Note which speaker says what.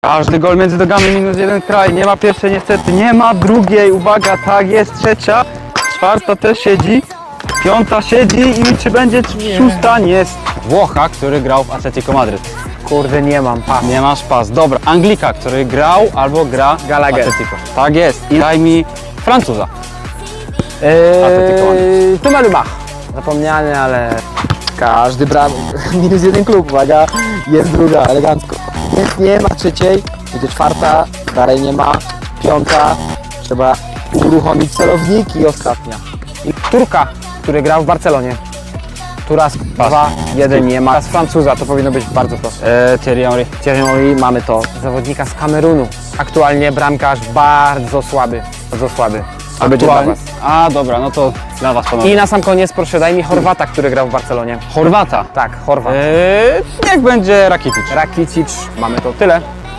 Speaker 1: Każdy gol między nogami minus jeden kraj. Nie ma pierwszej niestety, nie ma drugiej. Uwaga, tak jest, trzecia. Czwarta też siedzi. Piąta siedzi i czy będzie szósta? Nie jest. Włocha, który grał w Atletico Madryt.
Speaker 2: Kurde, nie mam. Pas.
Speaker 1: Nie masz pas. Dobra. Anglika, który grał albo gra w
Speaker 2: Gallagher.
Speaker 1: Atletico. Tak jest. I daj mi Francuza. Atletico Madryt.
Speaker 2: Tumelumach. Zapomniany, ale każdy minus jeden klub, uwaga, jest druga, elegancko. Nie ma trzeciej, będzie czwarta, dalej nie ma, piąta, trzeba uruchomić celownik i ostatnia. I Turka, który grał w Barcelonie. Turas 2-1 nie ma. Z Francuza to powinno być bardzo proste.
Speaker 1: Thierry Henry.
Speaker 2: Thierry Henry, mamy to. Zawodnika z Kamerunu. Aktualnie bramkarz bardzo słaby. Bardzo słaby. To będzie dla was.
Speaker 1: A dobra, no to dla was panowie.
Speaker 2: I na sam koniec proszę daj mi Chorwata, który grał w Barcelonie.
Speaker 1: Chorwata.
Speaker 2: Tak, Chorwat.
Speaker 1: Niech będzie Rakitic.
Speaker 2: Rakitic, mamy to tyle.